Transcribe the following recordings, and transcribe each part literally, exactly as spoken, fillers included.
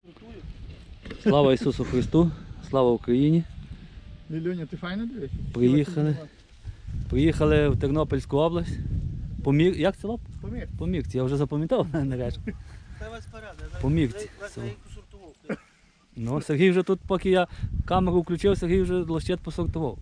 Слава Ісусу Христу, слава Україні. Лілюня, ти файно дивишся? Приїхали. Приїхали в Тернопільську область. Помір... Як село? Помір. Помірці. Я вже запам'ятав нарешті. Це вас порада. Помірці. Село. Ну, Сергій вже тут, поки я камеру включив, Сергій вже лощет посортував.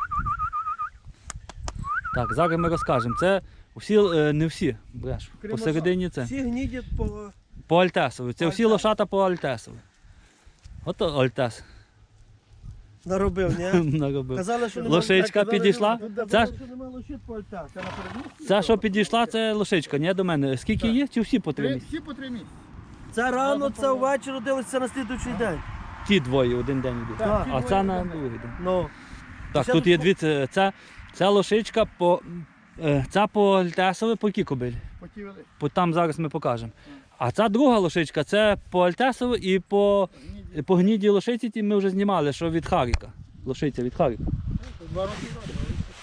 Так, зараз ми розкажемо. Це всі, не всі, бреш, посередині це. Всі гнідять по... По Альтесові. Це всі лошата по Альтесові. Ото Альтес Наробив, ні? наробив. Казали, що нема... Лошичка казали, підійшла. що- Це, що нема лошит по альтах. Це на передмісті? це, що підійшла, це лошичка, ні, до мене. Скільки Так. є? Чи всі по три Три, місяці? всі по три місяці. Це рано, це ввечері родилися на слідуючий день. Ті двоє один день йдуть. Так, ті А двоє це один на день. другий день. Ну. Так, Це тут є по- дві, це, це, це лошичка по, е, це по Альтесові, по якій кобилі? По ті великі. По, там зараз ми покажемо. А ця друга лошичка, це по Альтесові і по, і по гнідій лошиці ті ми вже знімали, що від Харіка. Лошиця від Харіка. Два роки року.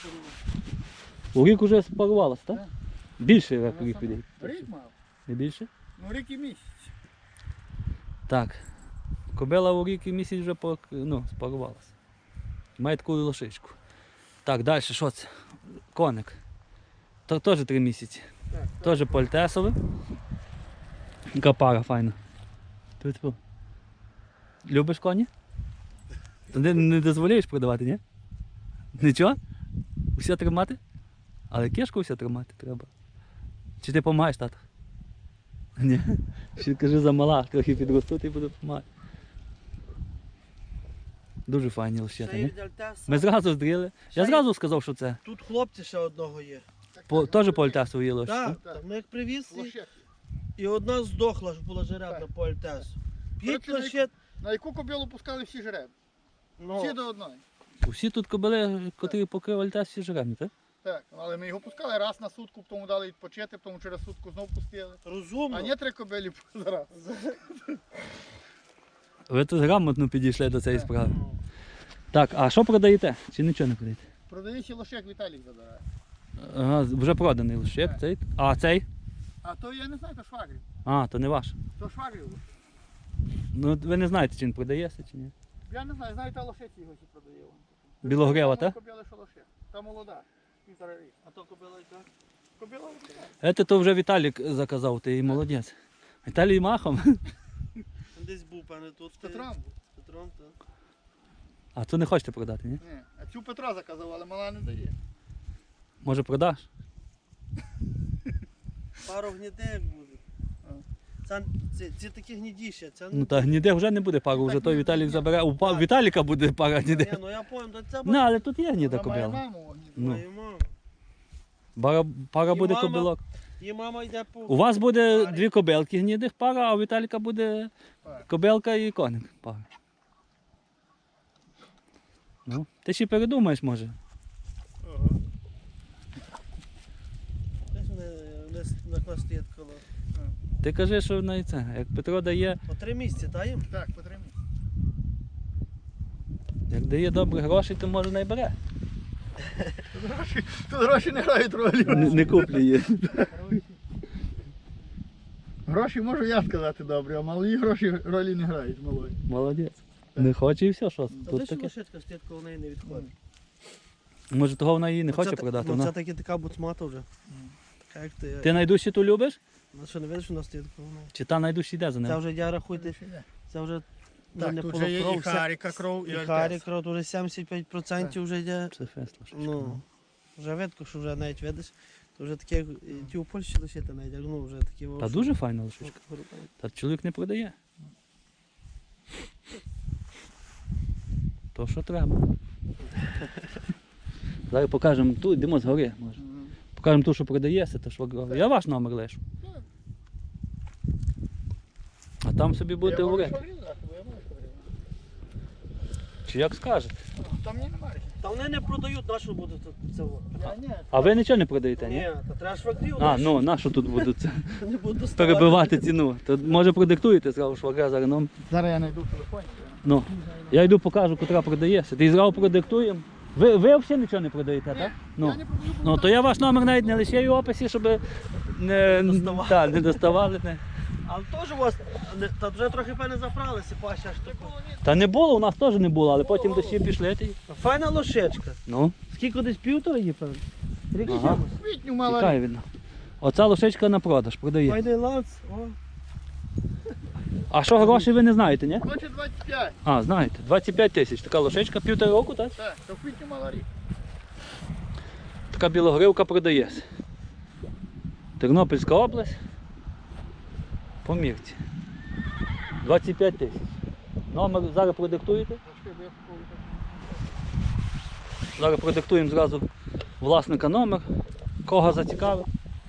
У рік вже спарувалася, так? Так. Більше як рік піде. Рік мав. Не більше? Ну рік і місяць. Так. Кобила у рік і місяць вже по, ну, спарувалася. Має таку лошичку. Так, далі, що це? Коник. То теж три місяці. Так, Теж по Альтесові. Яка пара файна. Тьфу-тьфу. Любиш коні? То не, не дозволяєш продавати, ні? Нічого? Усе тримати? Але кішку усе тримати треба. Чи ти допомагаєш, тато? Ні. Ще кажи, замала, трохи підростуть і буду допомагати. Дуже файні лощата, Це ні? від Альтеса. Ми зразу здріли. Ще Я є- зразу сказав, що це. Тут хлопці ще одного є. По, теж по Альтесу є лощі. Так, так. так. Ми як привіз, і- Лошек. і одна здохла, ж була жеребна Так. по Альтесу. П'ять Коротше, лошит. На яку кобилу пускали всі жереб? Ну, Всі до одної. Усі тут кобили, котрі покрив Альтес, всі жеребні, так? Так, але ми його пускали раз на сутку, потім дали відпочити, потім через сутку знову пустили. розумно. А не три кобилі зараз. Ви тут грамотно підійшли до цієї Так. справи. Ну. Так, а що продаєте? Чи нічого не продаєте? Продаючи лошек Віталік забирає. Ага, вже проданий лише Так. цей. А цей? А то я не знаю, то швагрів. А, то не ваш. То швагрів. Ну ви не знаєте, чи він продається, чи ні. Я не знаю, знаю, та лошиці його ще продає. Білогрева, так? Кобила, що лошек. Та молода. Півтора рік. А то кобила яка? Кобила лошек. Це то вже Віталік заказав, ти і молодець. Віталій махом. Там десь був, пане, тут. З Петром. З Петром, так. А то не хочете продати, ні? Ні, а цю Петра заказав, але мала не дає. Може продаш? Пару гнідек буде. А. Це, це, ці такі гнідіші, це Ну та гніде вже не буде пару, вже той Віталік забере. У па- Віталіка буде пара Ні, гніде. ну я пам'ятаю, це Ну, але тут є гніда Вона має кобила. маму. Ну. мою маму. Пара, пара І буде мама- кобилок. І мама йде по... У вас буде дві кобилки гнідих пара, а у Віталіка буде Пара. кобилка і коник пара. Ну, ти ще передумаєш, може. Ага. Десь вони, вони на клас стоять коло. Ти кажи, що на це. Як Петро дає, По три місяці, та їм? Так, по три місяці. як дає добрі гроші, то може не бере. Тут гроші, тут гроші не грають ролі. Не, не куплі її. Гроші можу я сказати добре, а малі гроші ролі не грають малої. Молодець. Не хоче і все, що Та тут ти що таке. лошадка стоять коло неї не відходить. Може того вона її не Оце хоче та- продати. Ну, Вона... це таки така буцмата вже. Така як ти. Ти найдужчі ту любиш? Ну що, не видиш, що вона стоїть коло неї? Чи та найдужчі йде за Це нею? вже, я рахуйте, це вже вже Так, не тут вже є і полукров, це- Харіка кров, і і Альтес. Харі кров, вже сімдесят п'ять відсотків вже йде. Це фест лошечка. Ну, вже видко, що вже навіть видиш, то вже таке, і ті у Польщі лишити навіть, як, ну вже такі... Та дуже файна лошечка. Та чоловік не продає. То що треба. Зараз покажемо ту, йдемо згори, може. Мгм. Покажемо ту, що продається, то швагрові. Я ваш номер лишу. Так. А там собі будете Я можу говорити. швагрів дати, бо я можу швагрів. Чи як скажете. Там мені немає. Та вони не продають, на що буде тут це? во? Я ні. А ви нічого не продаєте, ні? Ні, та треба швагрів, А, ну, на що тут будуть це? не буду доставати. Перебивати ціну? То може продиктуєте зразу швагра зараз нам. Зараз я знайду в телефоні. Ну, я йду покажу, котра продається. Ти зразу продиктуємо. Ви, ви взагалі нічого не продаєте, так? Ну. Я не продаю. Ну, то я ваш номер навіть не лишаю в описі, щоб не, Доставали. та, не доставали. Не. Але теж у вас, не- та вже трохи певне заправилися, паща аж таку. Та не було, у нас теж не було, але потім дощі пішли. Та й- Файна лошечка. Ну, Скільки десь півтора є, певно? Рік Ага. чимось. Квітню мала тікає рік. видно. Оця лошечка на продаж, продає. Файний ланц. О. А що гроші ви не знаєте, ні? Хоче двадцять п'ять. А, знаєте, двадцять п'ять тисяч. Така лошечка, півтора року, так? Так, то в квітню мала рік. Така білогривка продається. Тернопільська область. По мірці. двадцять п'ять тисяч. Номер зараз продиктуєте? Трошки, бо я такого так. Зараз продиктуємо зразу власника номер. Кого зацікавить.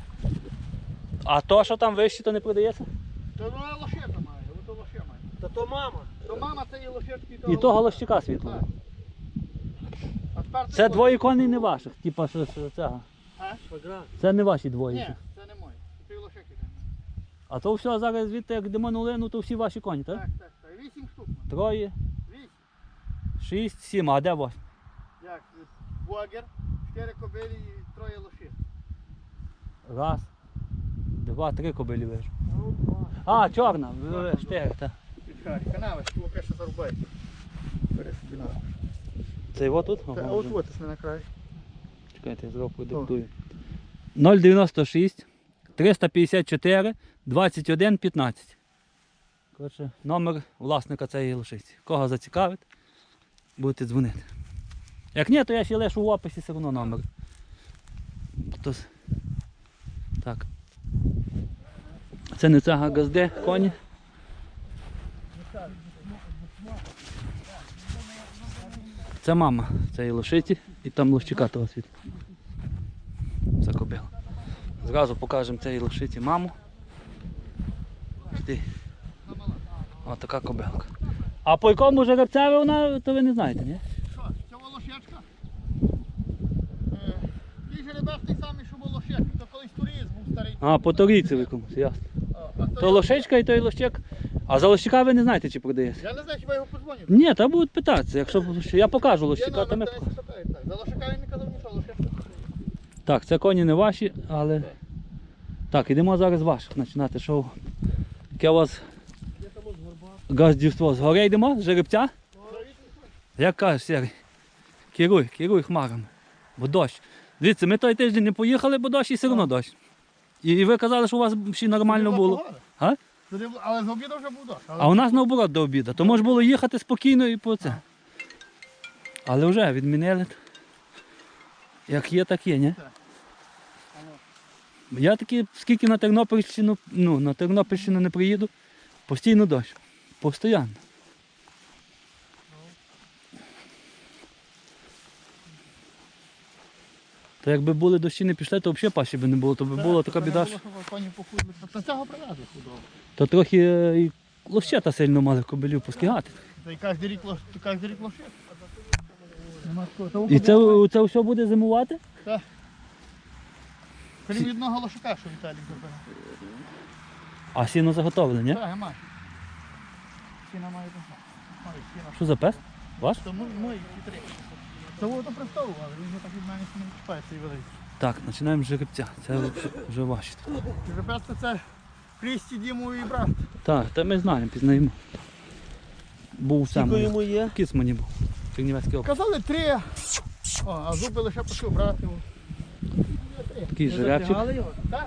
А то, що там вище, то не продається? То вона лошека має, ото лоше має. Та то мама. То мама це є лошечки, І того лощика світлого. Так. А тепер ти Це лошик. двоє коней не ваших, типа що, що цього. А? Швагра. Це не ваші двоє. Ні, це не мої. Це лошики. А то все зараз звідти, як йдемо на Лину, то всі ваші коні, так? Так, так, так. Вісім штук. має. Троє, Вісім. шість, сім, а де ваш? Як? Богер, чотири кобилі і троє лошик. Раз, два, три кобилі вижу. А, чорна, ви- ви- штири, так. Підхай, канави, що поки що зарубай. Бери собі на. Це його тут? Та, Ага, а от вже. от ось на край. Чекайте, я зразу продиктую. нуль дев'яносто шість, триста п'ятдесят чотири, двадцять один, п'ятнадцять. Коротше, номер власника цієї лошиці. Кого зацікавить, будете дзвонити. Як ні, то я ще лишу в описі все одно номер. То с- Так. Це не цага газди, коні. Це мама цієї лошиці і там лощика того світла. Це кобила. Зразу покажемо цієї лошиці маму. Ти. Ось така кобилка. А по якому жеребцеві вона, то ви не знаєте, ні? Що, це волошечка? Е, Ті жеребець той самий, що волошечка. То колись турист був старий. А, по торійці в якомусь, ясно. А, а То лошечка і той лощик. А за лощика ви не знаєте, чи продається? Я не знаю, хіба його подзвонив. Ні, та будуть питатися. Якщо я покажу лощика, то ми Я покажемо. питаю, так. За лошака він не казав нічого, лошечка. Так, це коні не ваші, але. Так, ідемо зараз ваших починати шоу. Яке у вас газдівство? Згори йдемо? З жеребця? Як кажеш, Сергій? Керуй, керуй хмарами. Бо дощ. Дивіться, ми той тиждень не поїхали, бо дощ і все одно дощ. І, і ви казали, що у вас ще нормально було. А? Туди бу- Але з обіду вже був дощ. Але А у нас наоборот до обіду. То може було їхати спокійно і по це. Але вже відмінили. Як є, так є, ні? Так. Я таки, скільки на Тернопільщину, ну, на Тернопільщину не приїду, постійно дощ. Постоянно. То якби були дощі не пішли, то взагалі паші би не було, то би була така біда. що- Коні похудли. Та цього привезли худого. То трохи е, і лощета сильно мали кобилів поскигати. Та й кожен рік лош, кожен рік лошик. Нема такого. І це, це все буде зимувати? Крім одного лошака, що Віталій зробив. А сіно заготовлене, ні? Так, має. Сіна має тут. Ой, сіна. Що за пес? Ваш? Це мой, мой хитрий. Це воно престолу, але він вже так від мене не відчіпає цей великий. Так, починаємо з жеребця. Це вже, вже ваші. Жеребець це Крісті, Діму і брат. Так, та ми знаємо, пізнаємо. Був сам. Скільки йому є? Кіц мені був. Чернівецький округ. Казали три. О, а зуби лише почав брати. Такий Ви жеребчик. запрягали його? Так,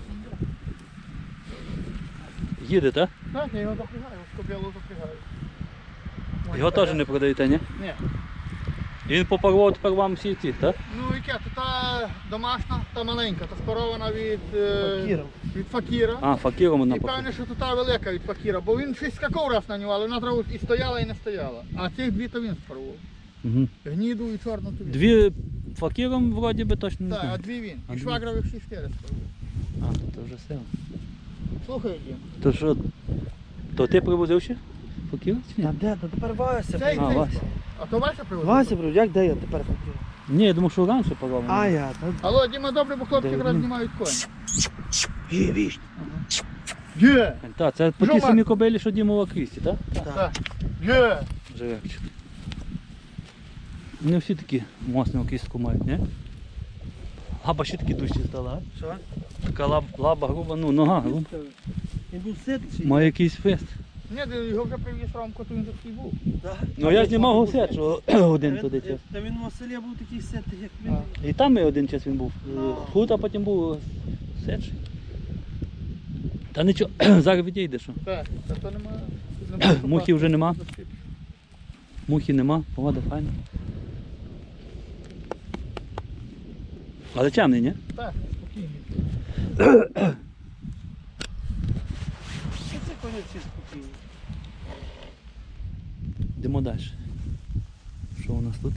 Їде, так? так, я його запрягаю, з кобилу запрягаю. Його теж не продаєте, ні? Ні. І він попарував тепер вам всі ці, так? Ну яке, то та домашня, та маленька, та спарована від, е, Факіра. від факіра. А, факіром вона І попарував. певне, що то та велика від факіра, бо він щось скакав раз на нього, але вона зразу і стояла, і не стояла. А цих дві то він спарував. Угу. Гніду і чорну то він. Дві факіром вроді би точно не Так, а знаю. дві він. А І дві? швагрових всі чотири спарував. А, то, то вже сила. Слухай, Дім. То що, то ти привозив ще? Факір? Чи ні? А де? Та тепер Вася. Цей, А, цей. Вася. А то Вася привозив? Вася, брат, як де я тепер факір? Ні, я думав, що раніше парував. А я, та... Алло, Діма, добре, бо хлопці Де якраз він? знімають коні. Є, віч. Є! Так, це по Що, тій Ма- самій кобилі, що Дімова Крісті, так? Так. Є! Жеребчик. Не всі такі моцну кістку мають, ні? Лаба ще такі дужчі стала, а? Що? Така лаб, лаба груба, ну нога груба. Він був ситий. Має якийсь фест. Ні, де його вже привіз Ромко, то він такий був. Да. Ну я знімав гусет, що один туди час. Та він у Василя був такий ситий, як він. А. І там і один час він був. Ну. Худ, а потім був сечий. Та нічого, зараз відійде, що. Так, та то нема. Мухи вже нема. Мухи нема, погода файна. Але темний, ні? Так, спокійно. Що це коні всі спокійні? Йдемо далі. Що у нас тут?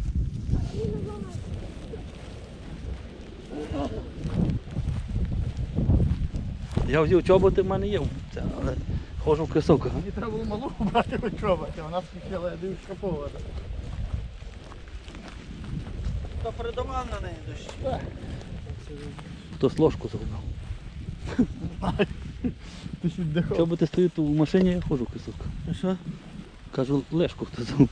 Я взяв чоботи, в мене є, це, але ходжу в кросовках. Мені треба було малу брати вичобати, вона скільки дивишка повода. Та передавав на неї дощ. Так. Хтось ложку зробив. Ти ще віддихав. Чоботи стоять у машині, я ходжу в кросовках. А що? Кажу, лешку хто зробив.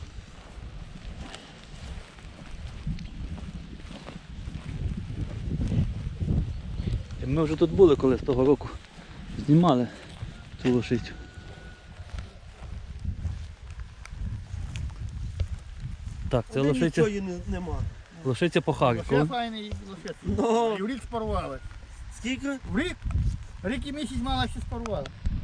І ми вже тут були, коли з того року знімали цю лошицю. Так, це Один лошиця, нічого її не- нема. лошиця по Ще Харкову. файний лошадь. Ну. І в рік спарували. Скільки? В рік? Рік і місяць мала ще спарували.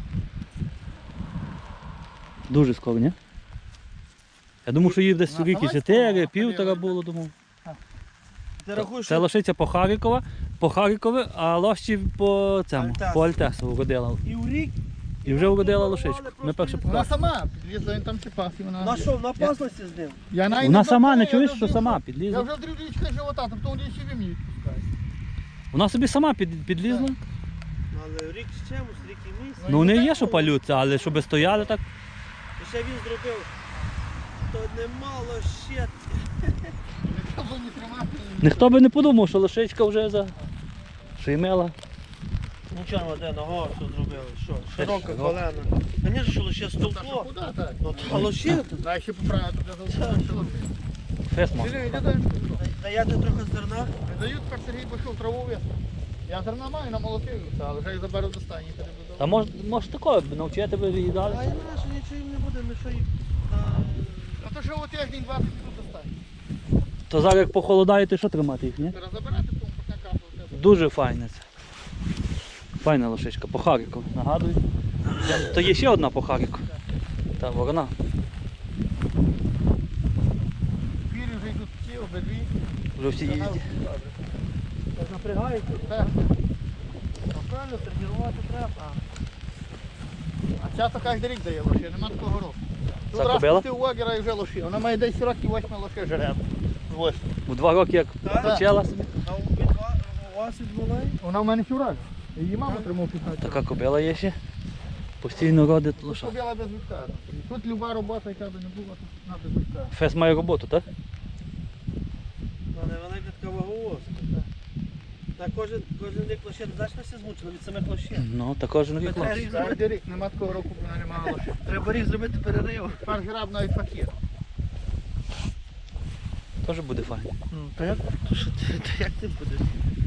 Дуже скоро, ні? Я думав, що їй десь Вона рік і сама чотири, спала, півтора ходила, було, думав. Ти рахуєш, Це що лошиця по Харкова, по Харкові, а лоші по цьому, Альтесу. по Альтесу уродила. і в рік? І вже уродила лошичку. Ми перше Вона показали. сама підлізла, він там ще пас і вона... На що, напаслася з ним? Я навіть Вона не сама, не знаю, чуєш, я що вже сама Я підлізла? вже дрібничка живота, тобто вони ще ви мені відпускають. Вона собі сама під, підлізла. Ну, але рік з чимось, рік і місяць. Ну не є, що палються, але щоб стояли так. І ще він зробив, то немало ще. Ніхто було не тримати. Ніхто би не подумав, що лошичка вже за шеймела. Нічого, воде, нога, що зробили, що? Широка широка. колена. Звісно, що лише Та що стовкло. куди так? Ну, та лише. Дай ще поправити для залишилося. Фес можна. Сергій, йди далі. Даяти трохи зерна. Не дають, тепер Сергій пішов траву вести. Я зерна маю, намолотив, але вже їх заберу до стані. Та може, може такого б навчити би її А далі. я знаю, що нічого їм не буде, ми що їм. Та- А то що от тиждень двадцять тут до стані. То зараз як похолодає, то що тримати їх, ні? Треба забирати, тому поки капав. Дуже файне це. Файна лошичка, по Харкову, нагадую. То є ще одна по Харкову. Та ворона. Пірі вже йдуть ті, обидві. Вже всі їздять. Так напрягається. Так. Ну, правильно, тренувати треба. А часто кожен рік дає лоші, нема такого року. Тут Це раз кобила? пустив Вагера і вже лоші. Вона має десь років восьми лоші жереб. Ось. У два роки як Так. почала собі. А у від ва- у вас від малої? Вона в мене фюраж. Її мама тримав п'ятнадцять. Така кобила є ще. Постійно родить Тут лоша. побіла без вітка. Тут люба робота, яка би не була, тут на без вітка. Фес має роботу, так? Вона велика така ваговозка. Так кожен, кожен рік лише значно все змучено від самих лошей. Ну, та кожен рік Треба лош. рік Кожен зробити, рік нема такого року, бо вона не мала лоші. треба рік зробити перерив. Тепер граб навіть пакет. Теж буде файно. Ну, то як, то що ти, то як ти будеш?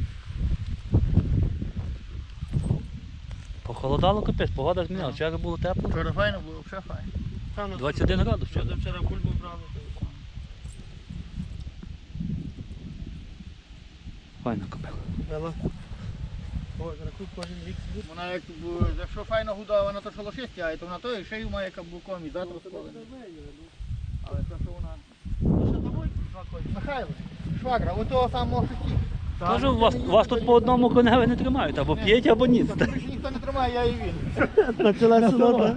Похолодало капець, погода змінилася. Вчора було тепло. Вчора файно було, все файно. Та, ну, двадцять один градус Що вчора. до вчора бульбу брали? то- Файна кобила. Вела. Ой, рахуй кожен рік збір. Вона як, б- якщо файно годована, то що лоші стягає, то вона то і шею має каблуком і завтра сколений. Але то, що вона... Ну, що домой два коні? Михайло, швагра, у того самого шості. Тож у вас, у вас тут по одному коневі не тримають, або п'ять, або ні. Тобі більше ніхто не тримає, я і він. На ціле село,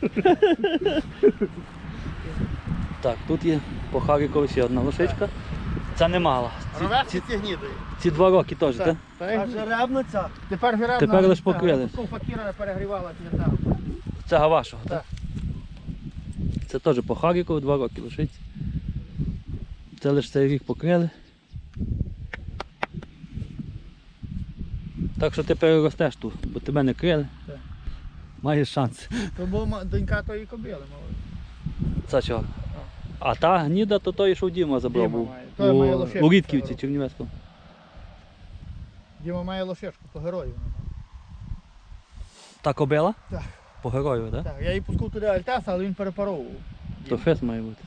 Так, тут є по Харкові ще одна лошичка. Це не мала. Ці, Роверці ці, ці гнідої. ці два роки теж, так? А жеребна ця? Тепер жеребна. Тепер лиш покрили. Такого факіра перегрівала п'ята. Це Гавашого, так? Це теж по Харкові два роки лошиці. Це лише цей рік покрили. Так що ти переростеш тут, бо тебе не крили. Так. Маєш шанс. То була донька тої кобили, мовить. Це чого? А та гніда, то той, що Діма забрав Діма був. має. Той має У, лошечку у Рідківці, цього Чернівецькому. Діма має лошечку, по герою. Та кобила? Так. По герою, так? Так, я її пускав туди Альтеса, але він перепаровував. То фес має бути.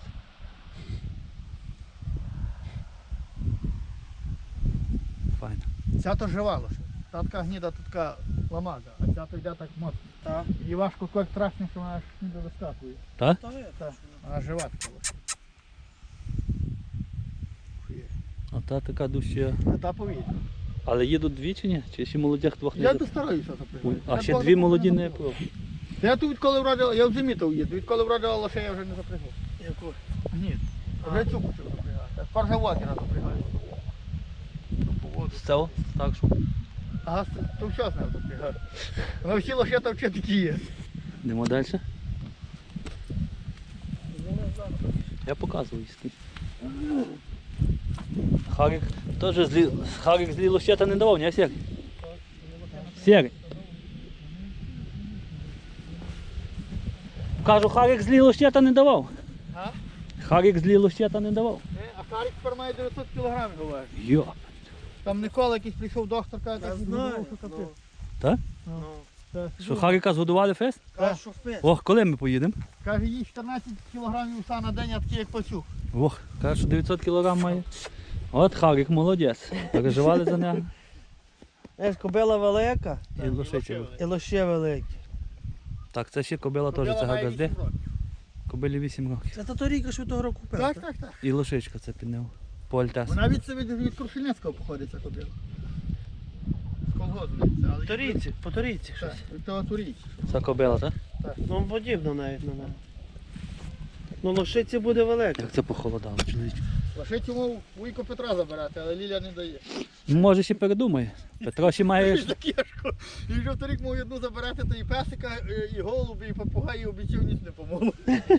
Файно. Ця то жива лише. Та така гніда, то така ламага, а ця то йде так моцно. Так. Її важко як страшно, що вона аж ніби вискакує. Так? Та є. Так, вона жива така лише. А та така дужча. А та повітря. Але їдуть дві чи ні? Чи ще молодих двох не Я їдуть? достараюся Ой, запрягати. а ще дві молоді не пив. Я тут відколи вродила, я в зимі то їду, відколи вродила лише я вже не запрягав. Яку? Ні, вже цю почав запрягати. Тепер вже вагіна запрягаю. З цього? Так що. Ага, то все з ним запрягати. Вона всі лише там ще такі є. Йдемо далі. Я показую скільки. Харик теж злі... Харик злі лощета не давав, ні, Сергій? Сергій. Кажу, Харик злі лощета не давав. А? Харик злі лощета не давав. Е, А Харик тепер має дев'ятсот кілограмів, говорить. Йо. Там Микола якийсь прийшов доктор, каже, Я так знаю. що капець. Так? Ну. Так, Що Харика згодували фест? Каже, що впис. Ох, коли ми поїдемо? Каже, їй чотирнадцять кілограмів уса на день, а такі як пацюк. Ох, каже, що дев'ятсот кілограм має. От Харик молодець. Переживали за нього. Знаєш, кобила велика І лошиця. і лоще великі. Так, це ще кобила теж, Кобила це має гагазде. вісім років. Кобилі вісім років. Це та торіка, що того року купив. Так, так, так. І лошичка це під нього. По Альтесу. Вона від себе від Крушельницького походить, ця кобила. З колгозу дивиться, але... Торійці, по торійці Так, щось. від того турійці. Це кобила, так? Ну, подібно навіть на неї. Ну, лошиці буде велика. Як це похолодало, чоловіче. Лошить йому вуйко Петра забирати, але Ліля не дає. Ну, може ще передумає. Петро ще має. Він кішку. І вже вторік мав одну забирати, то і песика, і голуби, і попугаї обіцяв, ніч не помогло.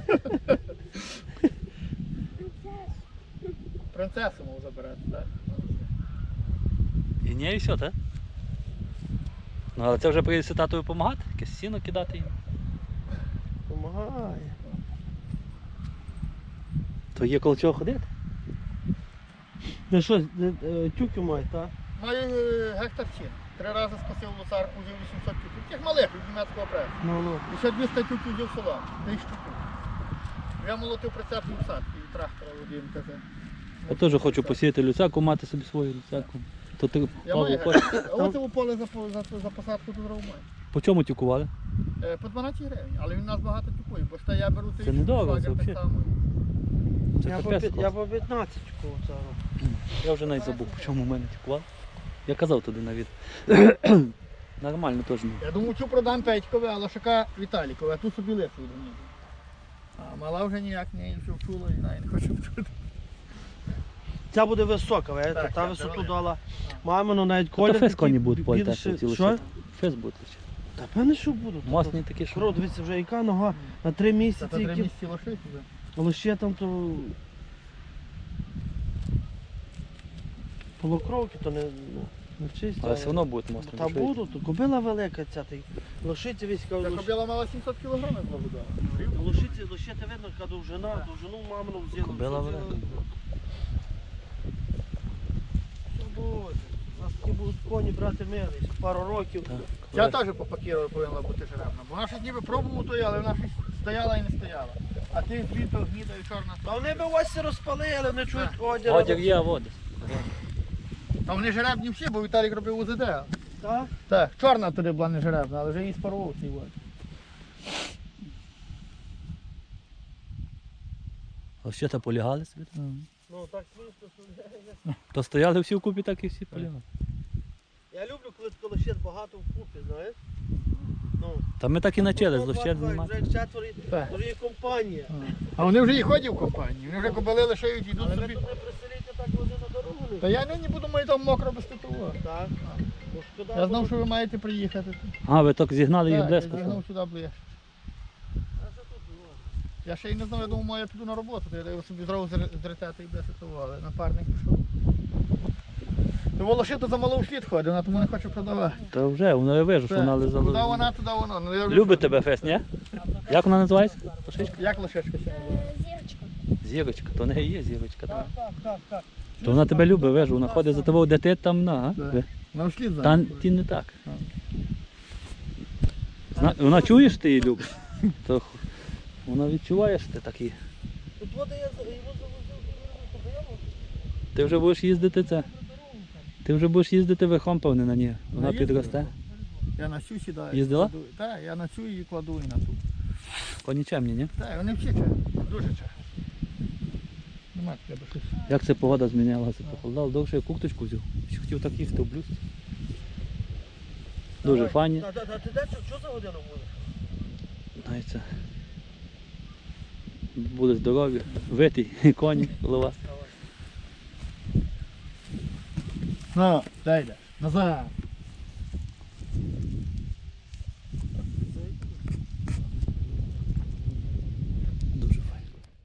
Принцесу мав забирати, так? І ні, і все, так? Ну, але це вже прийдеться татові допомагати, якесь сіно кидати їм. Помагає. То є коло чого ходити? Ти що, е, тюки мають, так? Маю е, гектар сін. Три рази скосив лосарку, взяв вісімсот тюків. Тих малих від німецького пресу. Ну, ну. І ще двісті тюків взяв села. Тисячу тюків. Я молотив прицепні всадки і трактора водієм таке. Я теж хочу посіяти люцяку, мати собі свою люцяку. То ти Я Павло, маю по, гектар. А оце у поле за, по- за, за посадку тут дров маю. по чому тюкували? Е, По дванадцять гривень, але він у нас багато тюкує, бо ж я беру Це недорого, це швагер так взагалі. само. Це Я по, капець п'ят- я клас. по п'ятнадцять кого цього. Я вже навіть забув, по чому в мене тюкували. Я казав туди навіть. Нормально теж. не. Я думаю, цю продам Петькове, а лошака Віталікове, а ту собі лишу до нього. А мала вже ніяк не вчула і навіть не хоче вчути. Ця буде висока, ви, Так, та так, висоту велика. дала. Мамину навіть Та колір. фес такий коні будуть по більше- Альтесу ці Що? лоші. Фес будуть. Та певне, що будуть. Мосні такі, що. Кро, дивіться, вже яка нога на три Це місяці, то три які місяці лошиці вже. лише там то полукровки, то не, ну, не чисті. Але все одно будуть мосні. Та будуть, то кобила велика ця, та й лошиця війська. Та кобила мала сімсот кілограмів благодала. Лошиці, лошиця видно, яка довжина, довжину мамину взяла. Кобила все велика. взяла. Що буде? У нас такі будуть коні брати милий, ще пару років. Так. Ця теж по пакіру повинна бути жеребна, бо вона щось ніби пробував тої, але вона щось стояла і не стояла. А ти звідти гніда і чорна. Та вони би ось розпалили, не чують одягу. Одяг є, а води. Та вони жеребні всі, бо Віталік робив УЗД. Так? Так, чорна туди була не жеребна, але вже її спарував цей вод. Лощета полягали собі. Ну так смішно, що То стояли всі вкупі, так і всі полягали. я люблю, коли тако лощет багато вкупі, знаєш? Ну, Та ми так і начали з ну, лощет два, знімати. Вже четверо, Так. вже є компанія. А вони вже і ходять в компанії, вони вже кобили лишають, йдуть Але ви собі. тут не приселіться так води на дорогу. не? Та я нині буду мої там мокро без титулу. Так. Бо шкода Я знав, було. що ви маєте приїхати. А, ви так зігнали їх Так, я близько. зігнув сюди ближче. А що тут було? Я ще й не знав, я думав, я піду на роботу, то я його собі зразу зретати і без того, але напарник пішов. То волошито за малого слід ходить, вона тому не хоче продавати. Та вже, воно я вижу, що вона Куди лизала. вона, туди воно. Ну, я вже- Любить тебе фес, ні? Як вона називається? Лошичка? Як лошечка ще називає? Зірочка. Зірочка, то не є зірочка. Так, та. так, так, так. То вона тебе любить, вижу, вона ходить за тобою, де ти там на. Так. а? Нам слід Та знає. ті не так. Вона, вона чує, що ти її любиш? То х- вона відчуває, що ти такий. Тут вода я за- його завозив, постоянно. Ти вже будеш їздити це. Ти вже будеш їздити верхом, певне, на ній. Вона їздила. підросте. Я на цю сідаю. Їздила? кладу- Так, я на цю і кладу і на ту. Коні чемні, ні? Так, вони всі чемні, дуже чемні. Нема тебе щось. Як це погода змінялася? Похолодало, довше я курточку взяв. Ще хотів так їхати в блюз. Дуже Давай. файні. Та, та, та, ти де, що, що за годину будеш? Знаєте, це. Буде здорові, витий коні, голова. Ну, дай йдеш. Назад.